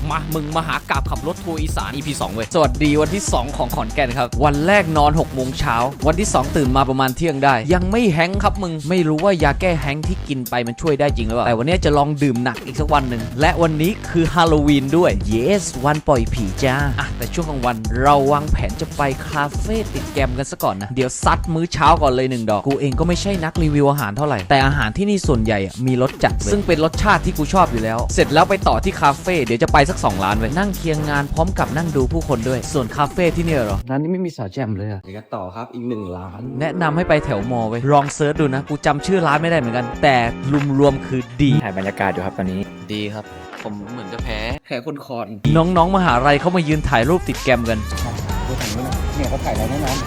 มามึงมาหากาบขับรถทัวร์อีสาน EP 2 เว้ยสวัสดีวันที่2ของขอนแก่นครับวันแรกนอน6 โมงเช้าวันที่2ตื่นมาประมาณเที่ยงได้ยังไม่แฮงครับมึงไม่รู้ว่ายาแก้แฮงที่กินไปมันช่วยได้จริงหรือเปล่าแต่วันนี้จะลองดื่มหนักอีกสักวันหนึ่งและวันนี้คือฮาโลวีนด้วย yes วันปล่อยผีจ้าแต่ช่วงกลางวันเราวางแผนจะไปคาเฟ่ติดแกมกันซะก่อนนะเดี๋ยวซัดมื้อเช้าก่อนเลย1 ดอกกูเองก็ไม่ใช่นักรีวิวอาหารเท่าไหร่แต่อาหารที่นี่ส่วนใหญ่มีรสจัดซึ่งเป็นรสชาติที่กูชอบอยู่แล้วเสร็จแล้วไปต่อที่คาเฟ่เดี๋ยวจะไปสัก2 ร้านไว้นั่งเคียงงานพร้อมกับนั่งดูผู้คนด้วยส่วนคาเฟ่ที่นี่เหรอร้านนี้ไม่มีสาวแจมเลยอะเดี๋ยวกันต่อครับอีก1 ร้านแนะนำให้ไปแถวมอไว้ลองเซิร์ชดูนะกูจำชื่อร้านไม่ได้เหมือนกันแต่รวมๆคือดีถ่ายบรรยากาศอยู่ครับตอนนี้ดีครับผมเหมือนจะแพ้แค่คนคอนน้องๆมหาลัยเขามายืนถ่ายรูปติดแกมกันดูถ่ายนี่นะเนี่ยเขาถ่ายแล้วแน่นอน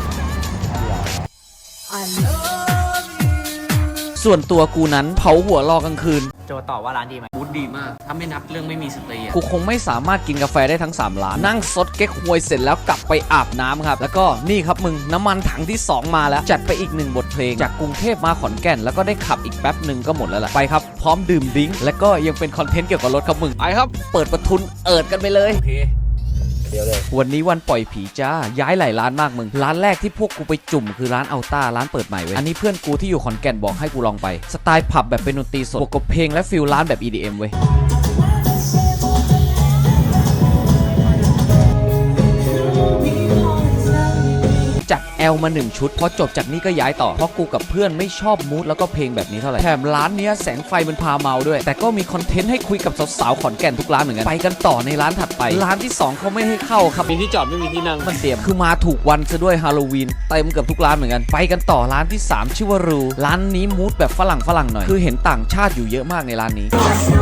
ส่วนตัวกูนั้นเผาหัวรอกลางคืนโจตอบว่าร้านดีไหมบูธดีมากถ้าไม่นับเรื่องไม่มีสตรีอะกูคงไม่สามารถกินกาแฟได้ทั้ง3 ร้านนั่งซดเก๊กฮวยเสร็จแล้วกลับไปอาบน้ำครับแล้วก็นี่ครับมึงน้ำมันถังที่2มาแล้วจัดไปอีก1 บทเพลงจากกรุงเทพมาขอนแก่นแล้วก็ได้ขับอีกแป๊บหนึ่งก็หมดแล้วล่ะไปครับพร้อมดื่มดริ้งแล้วก็ยังเป็นคอนเทนต์เกี่ยวกับรถครับมึงไปครับเปิดประทุนเอิดกันไปเลยโอเคเดี๋ยวเลยวันนี้วันปล่อยผีจ้าย้ายหลายร้านมากมึงร้านแรกที่พวกกูไปจุ่มคือร้านอัลต้าร้านเปิดใหม่เว้ยอันนี้เพื่อนกูที่อยู่ขอนแก่นบอกให้กูลองไปสไตล์ผับแบบเป็นดนตรีสดบวกกับเพลงและฟิลร้านแบบ EDM เว้ยจัดแอลมา1 ชุดพอจบจากนี้ก็ย้ายต่อเพราะกูกับเพื่อนไม่ชอบมูดแล้วก็เพลงแบบนี้เท่าไหร่แถมร้านเนี้ยแสงไฟมันพาเมาด้วยแต่ก็มีคอนเทนต์ให้คุยกับสาวๆขอนแก่นทุกร้านเหมือนกันไปกันต่อในร้านถัดไปร้านที่2เขาไม่ให้เข้าครับมีที่จอดไม่มีที่นั่งมันเสียมคือมาถูกวันซะด้วยฮาโลวีนเต็มเกือบทุกร้านเหมือนกันไปกันต่อร้านที่3ชื่อว่ารูร้านนี้มูดแบบฝรั่งหน่อยคือเห็นต่างชาติอยู่เยอะมากในร้านนี้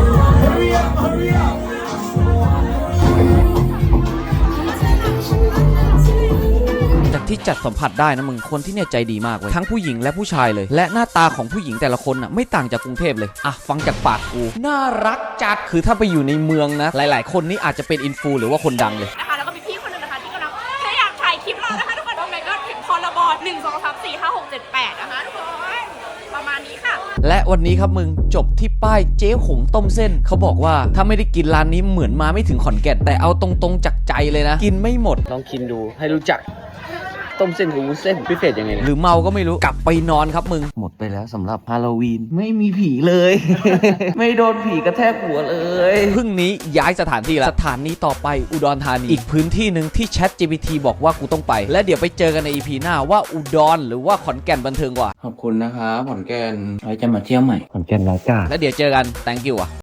จากที่จัดสัมผัสได้นะมึงคนที่เนี่ยใจดีมากเว้ยทั้งผู้หญิงและผู้ชายเลยและหน้าตาของผู้หญิงแต่ละคนน่ะไม่ต่างจากกรุงเทพเลยอ่ะฟังจากปากกูน่ารักจัดคือถ้าไปอยู่ในเมืองนะหลายๆคนนี่อาจจะเป็นอินฟูหรือว่าคนดังเลยนะคะแล้วก็มีพี่คนหนึงนะคะที่กำลังแค่อยากถ่ายคลิปเรานะคะทุกคนโอ้ my god ถึงคอร์บอร์ด1 2 3 4 5 6 7 8นะคะทุกคนประมาณนี้ค่ะและวันนี้ครับมึงจบที่ป้ายเจ๊หงต้มเส้นเขาบอกว่าถ้าไม่ได้กินร้านนี้เหมือนมาไม่ถึงขอนแก่นแต่เอาตรงๆจากใจเลยนะกินไม่หมดลองกินดูให้รู้จักต้มเส้นกับวุ้นเส้นพิเศษยังไงเนี่ยหรือเมาก็ไม่รู้กลับไปนอนครับมึงหมดไปแล้วสำหรับฮาโลวีนไม่มีผีเลย ไม่โดนผีกระแทกหัวเลยพรุ่งนี้ย้ายสถานที่แล้วสถานีต่อไปอุดรธานีอีกพื้นที่หนึ่งที่ ChatGPT บอกว่ากูต้องไปและเดี๋ยวไปเจอกันใน EP หน้าว่าอุดรหรือว่าขอนแก่นบันเทิงกว่าขอบคุณนะครับขอนแก่นไว้จะมาเที่ยวใหม่ขอนแก่นรายการและเดี๋ยวเจอกัน thank you อ่ะ